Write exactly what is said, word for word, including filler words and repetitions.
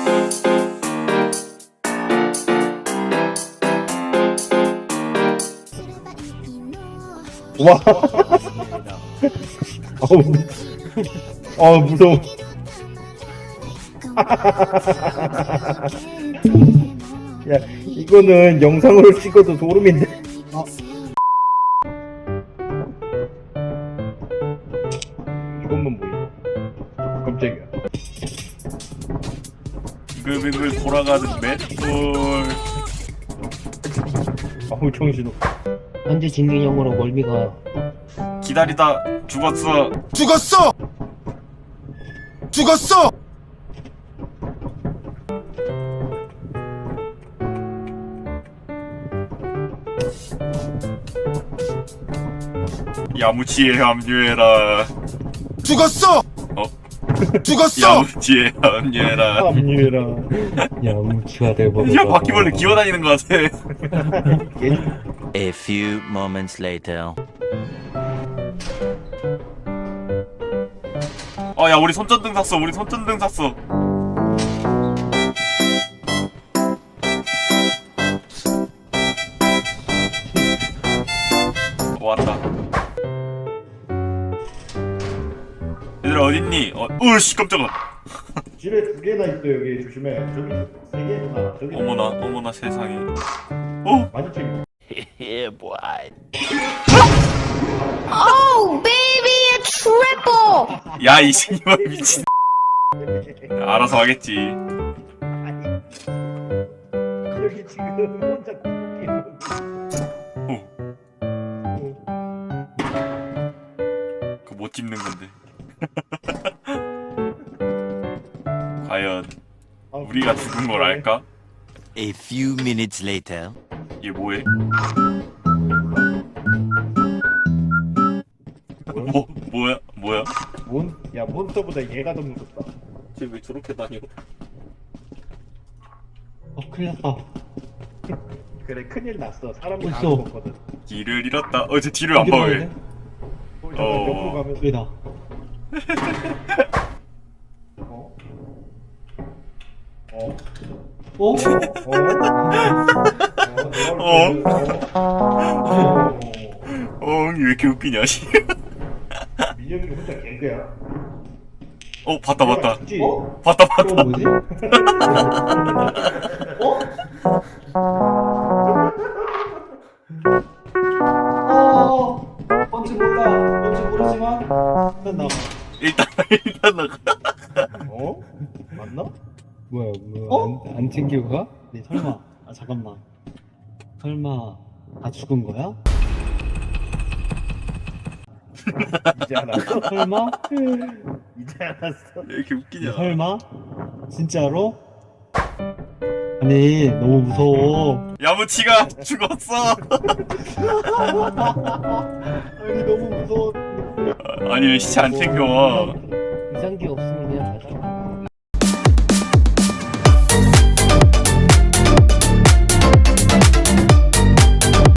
와. 어우, 아 무서워. 야, 이거는 영상으로 찍어도 소름인데. 어. 이것만 보여. 깜짝이야. 빙글빙글 돌아가는 맷돌. 아우 정신없. 현재 진행형으로 멀미가 기다리다 죽었어. 죽었어! 죽었어! 야무치에 합류해라. 죽었어! 어? 죽었어! 야무치에 합류해라. 합류해라. 야무치가 되고 야 바퀴벌레 기어다니는 것 같아. A few moments later. 어 야 우리 손전등 샀어. 우리 손전등 샀어. 왔다. 얘들아 어딨니? 어, 으씨 깜짝아. 집에 두 개나 있어 여기 조심해. 저기 세 개구나. 저기. 어머나 어머나 세상에. 어? 많이 챙겨. Yeah, boy. Oh, baby, a triple! 야 이 새끼야 미친. 알아서 하겠지. 여기 지금 혼자 웃기는. 그거 못 집는 건데. 과연 우리가 죽은 걸 알까? A few minutes later. 얘 뭐해? 뭐 뭐야 뭐야? 몬? 야 몬스터보다 얘가 더 무섭다. 쟤 왜 저렇게 다녀? 어 큰일 났다. 그래 큰일 났어. 사람 다 있어. 죽었거든. 길을 잃었다. 어 쟤 뒤를 안 봐 왜? 어. 어. 옆으로 가면 왜다? 어? 어? 어? 어? 어? 어이 왜 이렇게 웃기냐 씨. 민혁이 혼자 개그야. 어 봤다 봤다. 죽지? 어? 봤다 그거 봤다. 뭐지? 어? 어? 뭔지 몰라. 뭔지 모르지만 일단 나가. 일단 일단 나가. 어? 맞나? 뭐야 뭐야 어? 안, 안 챙기고 가? 네 설마 아 잠깐만 설마 다 죽은 거야? 이제 알았어. 설마? 이제 알았어. 왜 이렇게 웃기냐? 설마? 진짜로? 아니 너무 무서워. 야무치가 죽었어. 아니 너무 무서워. 아니 왜 시체 안 챙겨와? 이상기 없으면